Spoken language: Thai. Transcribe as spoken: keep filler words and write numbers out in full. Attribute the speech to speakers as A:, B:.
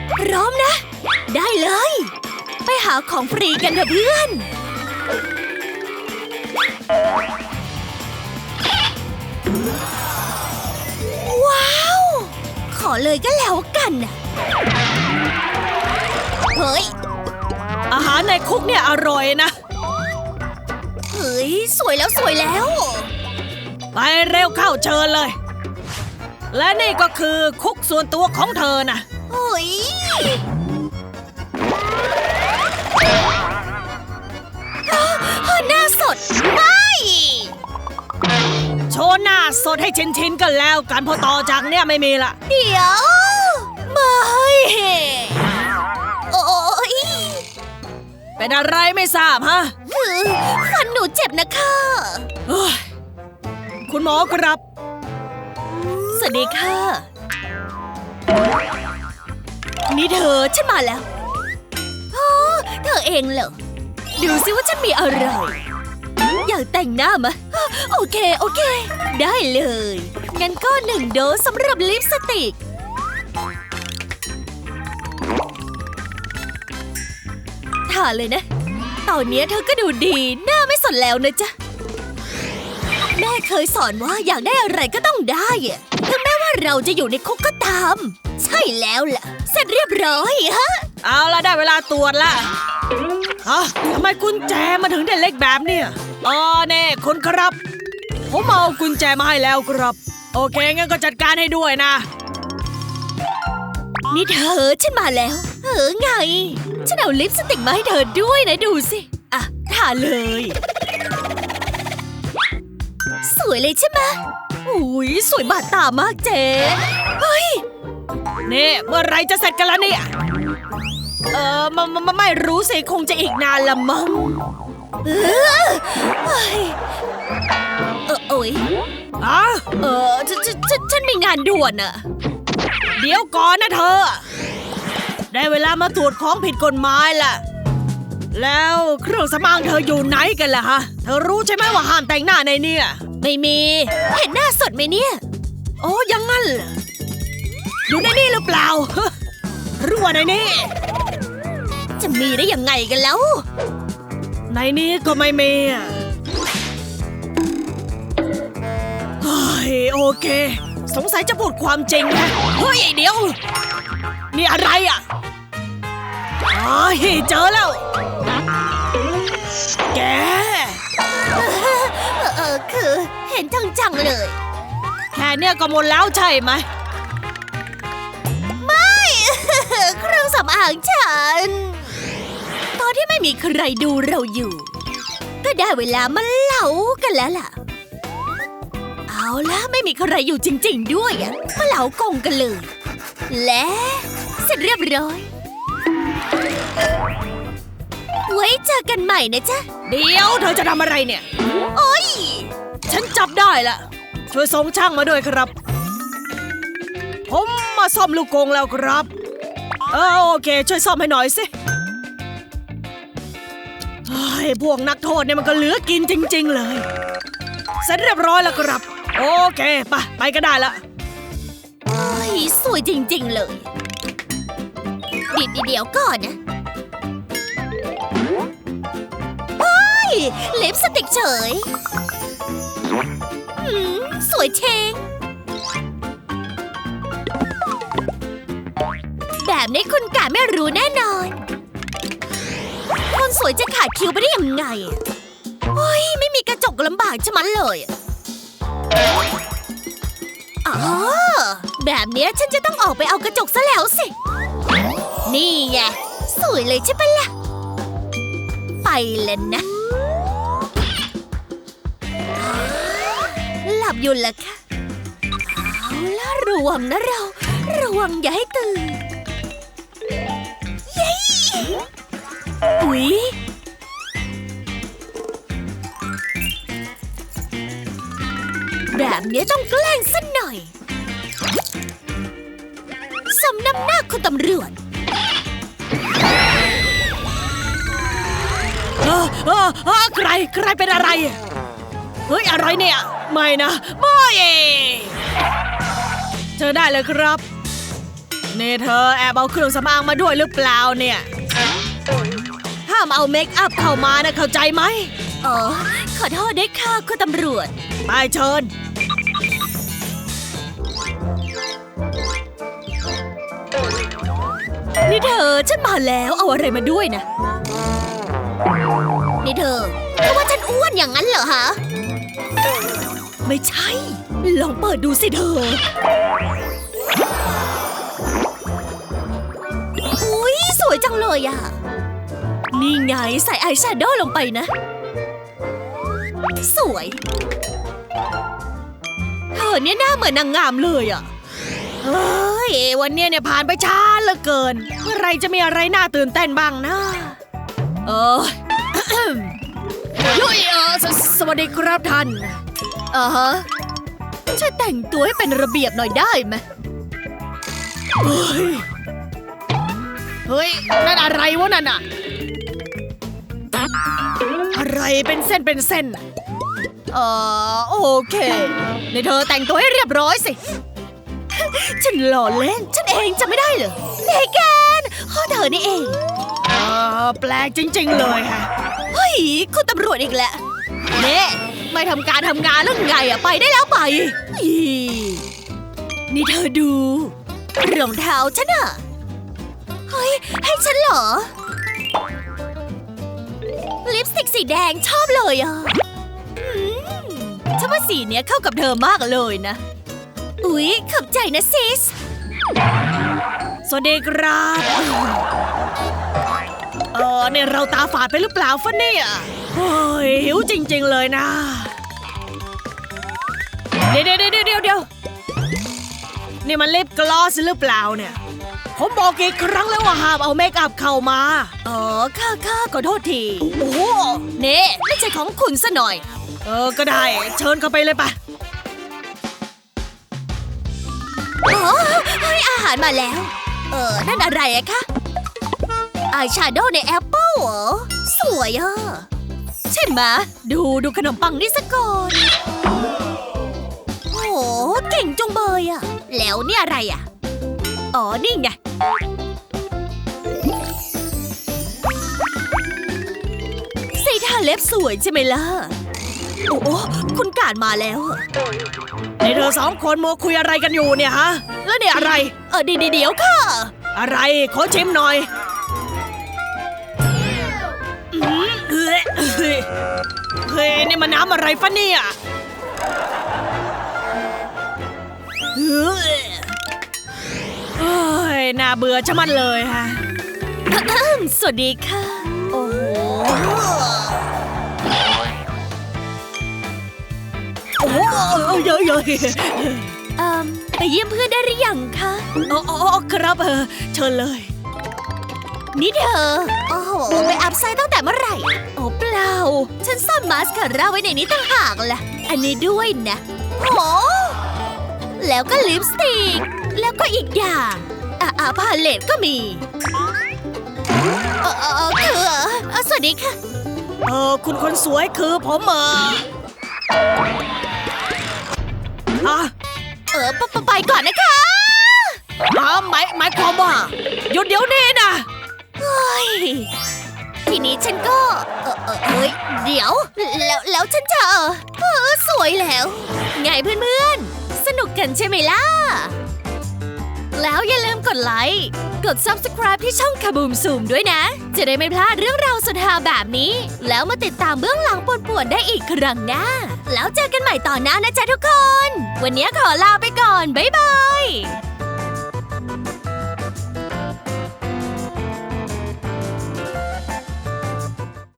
A: พร้อมนะ ได้เลย ไปหาของฟรีกันเถอะเพื่อน ว้าว ขอเลยก็แล้วกันนะเฮ้ย
B: อาหารในคุกเนี่ยอร่อยนะ
A: เฮ้ย สวยแล้วสวยแล้ว
B: ไปเร็วเข้าเชิญเลย และนี่ก็คือคุกส่วนตัวของเธอนะ
A: เฮ้ยหน้าสดไม่
B: โชว์หน้าสดให้ชินๆกันแล้วกันพอต่อจากเนี่ยไม่มีละ
A: เดี๋ยวไม่โอ้ย
B: เป็นอะไรไม่ทราบฮะ
A: คือฟันหนูเจ็บนะคะ
B: เฮ้ยคุณหมอครับ
A: สวัสดีค่ะ นี่เธอฉันมาแล้วอ๋อเธอเองเหรอ ดูสิว่าฉันมีอะไร อยากแต่งหน้ามะโอเค โอเค ได้เลย งั้นก็หนึ่งโดสสำหรับลิปสติก ทาเลยนะ ตอนนี้เธอก็ดูดี หน้าไม่สนแล้วนะจ๊ะ แม่เคยสอนว่าอยากได้อะไรก็ต้องได้อะถึงแม้ว่าเราจะอยู่ในคุกก็ตาม ใช่แล้วล่ะ เสร็จเรียบร้อยฮะ
B: เอาละได้เวลาตรวจละฮะทำไมกุญแจมาถึงได้เล็กแบบเนี่ยอ๋อเน่คุณครับ ผมเอากุญแจมาให้แล้วครับ โอเคงั้นก็จัดการให้ด้วยนะ
A: นี่เธอฉันมาแล้ว เออไง ฉันเอาลิปสติกมาให้เธอด้วยนะดูสิ อ่ะทาเลย สวยเลยใช่ไหมอุ้ยสวยบาดตามากเจ๊เฮ้ย
B: นี่เมื่อไรจะเสร็จกันแล้วเนี่ย เออไมไมไม่รู้สิคงจะอีกนานละมั้ง
A: เออเฮ้ยเออโอ้ย
B: อะ
A: เออฉันฉันฉันฉันมีงานด่วนอะ
B: เดี๋ยวก่อนนะเธอ ได้เวลามาตรวจของผิดกฎหมายล่ะ แล้วเครื่องสำอางเธออยู่ไหนกันล่ะฮะ เธอรู้ใช่ไหมว่าห้ามแต่งหน้าในเนี่ย
A: ไม่มี เห็นหน้าสดไหมเนี่ย
B: โอ้ยังงั้นเหรออยู่ในนี่หรือเปล่า หรือว่าในนี่
A: จะมีได้ยังไงกันแล้ว
B: ในนี้ก็ไม่มีอะเฮ้ยโอเค สงสัยจะพูดความจริงนะเฮ้ยเดี๋ยว นี่อะไรอ่ะอ๋อเจอแล้ว แก
A: เออเออคือเห็นจังๆเลย
B: แค่เนี่ยก็หมดแล้วใช่ไหม
A: ไม่ เครื่องสำอางฉัน ตอนที่ไม่มีใครดูเราอยู่ ก็ได้เวลามาเล่ากันแล้วล่ะ เอาล่ะไม่มีใครอยู่จริงๆด้วยอะมาเล่ากงกันเลย และเสร็จเรียบร้อย ไว้เจอกันใหม่นะจ๊ะ
B: เดี๋ยวเธอจะทำอะไรเนี่ย
A: โอ๊ย
B: ฉันจับได้ละช่วยส่งช่างมาด้วยครับ ผมมาซ่อมลูกกรงแล้วครับ เออโอเคช่วยซ่อมให้หน่อยสิเฮ้ยพวกนักโทษเนี่ยมันก็เหลือกินจริงๆเลยเสร็จเรียบร้อยแล้วครับโอเคไปไปก็ได้ละ
A: โอ้ยสวยจริงๆเลยดิดเดี๋ยวก่อนนะเฮ้ยลิปสติกเฉยหืมสวยเชงแบบนี้คุณกะไม่รู้แน่นอนคนสวยจะขาดคิวไปได้ยังไงเฮ้ยไม่มีกระจกลำบากใช่มั้ยเลยอ๋อแบบเนี้ยฉันจะต้องออกไปเอากระจกซะแล้วสินี่ไงสวยเลยใช่ปะล่ะไปแล้วนะหลับอยู่ละค่ะเอาล่ะระวังนะเราระวังอย่าให้ตื่นเย้อุ๊ยแบบนี้ต้องแกล้งสักหน่อยสมน้ำหน้าคุณตำรวจ
B: เออเออเออใครใครเป็นอะไรเฮ้ยอะไรเนี่ยไม่นะไม่เจอได้เลยครับนี่เธอแอบเอาเครื่องสำอางมาด้วยหรือเปล่าเนี่ยห้ามเอาเมคอัพเข้ามานะเข้าใจไหม
A: อ๋อขอโทษด้วยค่ะคุณตำรวจ
B: ไปเชิญ
A: นี่เธอฉันมาแล้วเอาอะไรมาด้วยนะนี่เธอเธอว่าฉันอ้วนอย่างนั้นเหรอฮะไม่ใช่ลองเปิดดูสิเธออุ๊ยสวยจังเลยอะนี่ไงใส่อายแชโดว์ลงไปนะสวยเธอเนี่ยหน้าเหมือนนางงามเลยอะ
B: เฮ้ยวันเนี้ยเนี่ยผ่านไปช้าเหลือเกินเมื่อไรจะมีอะไรน่าตื่นเต้นบ้างนะเออ ยุ้ยเออสสวัสดีครับท่าน
A: อ่าฮะช่วยแต่งตัวให้เป็นระเบียบหน่อยได้ไหม
B: เฮ้ยเฮ้ยนั่นอะไรวะนั่นอะอะไรเป็นเส้นเป็นเส้นอะ
A: เออโอเคในเธอแต่งตัวให้เรียบร้อยสิ ฉันหล่อเล่นฉันเองจะไม่ได้เหรอเมแกนข้อเธอนี่เอง
B: เออแปลกจริงๆเลยฮะ
A: เฮ้ยคุณตำรวจอีกแล้วเน่ไม่ทำการทำงานแล้วไงอะไปได้แล้วไปอีนี่เธอดูรองเท้าฉันอะเฮ้ยให้ฉันเหรอลิปสติกสีแดงชอบเลยอะอืมฉันว่าสีเนี้ยเข้ากับเธอมากเลยนะอุ๊ยขอบใจนะซิส
B: สวัสดีครับเออเนี่ยเราตาฝาดไปหรือเปล่าฟะเนี่ยโอ้ยหิวจริงๆเลยนะเดี๋ยวเดี๋ยวเดี๋ยวเดี๋ยวเดี๋ยวนี่มันลิปกลอสหรือเปล่าเนี่ยผมบอกกี่ครั้งแล้วว่าห้ามเอาเมคอัพเข้ามา
A: อ๋อค่ะค่ะขอโทษทีโอ้โหเน่ไม่ใช่ของคุณซะหน่อย
B: เออก็ได้เชิญเข้าไปเลยปะ
A: อ๋อเฮ้ยอาหารมาแล้ว เออนั่นอะไรอะคะอายแชโดว์ในแอปเปิลเหรอสวยอะใช่ไหมดูดูขนมปังนี่ซะก่อนโอ้โหเก่งจุงเบยอะแล้วนี่อะไรอะอ๋อนี่ไงสีทาเล็บสวยใช่ไหมล่ะโอ้โหคุณการมาแล้วอะ
B: นี่เธอสองคนมัวคุยอะไรกันอยู่เนี่ยฮะแล้วเนี่ยอะไร
A: เออเดี๋ยวเดี๋ยวค่ะ
B: อะไรขอชิมหน่อยอื้อเฮ้ยเฮ้ยเฮ้ยนี่มันน้ำอะไรฟะเนี่ยเฮ้ยเฮ้ยน่าเบื่อชะมัดเลยฮะ
A: สวัสดีค่ะ โอ้โหโอ้โห
B: โอ้เยอะเยอะ
A: เอ่มไปเยี่ยมเพื่อนได้หรือยังคะ
B: อ๋ออ๋อครับเออเชิญเลย
A: นี่เธอ โอ้โห ไปอัพไซต์ตั้งแต่เมื่อไหร่ โอ้เปล่า ฉันซ่อนมาสคาร่าไว้ในนี้ต่างหากล่ะ อันนี้ด้วยนะโอ้โหแล้วก็ลิปสติก แล้วก็อีกอย่างอ่ะอ่ะพาเลตก็มีเออเออเออคือเออสวัสดีค่ะ
B: เออคุณคนสวยคือผมเออฮะ
A: เออไปไปไปก่อนนะคะ
B: ฮะหมายหมายความว่าหยุดเดี๋ยวนี้นะ
A: เฮ้ย ทีนี้ฉันก็ เออเออเฮ้ย เดี๋ยว แล้วแล้วฉันจะเออเออสวยแล้ว ไงเพื่อนๆ สนุกกันใช่ไหมล่ะ แล้วอย่าลืมกดไลค์ กด ซับสไครบ์ ที่ช่องคาบูมซูมด้วยนะ จะได้ไม่พลาดเรื่องราวสุดฮาแบบนี้ แล้วมาติดตามเบื้องหลังป่วนๆได้อีกครั้งหน้า แล้วเจอกันใหม่ตอนหน้านะจ๊ะทุกคน วันนี้ขอลาไปก่อน บ๊ายบาย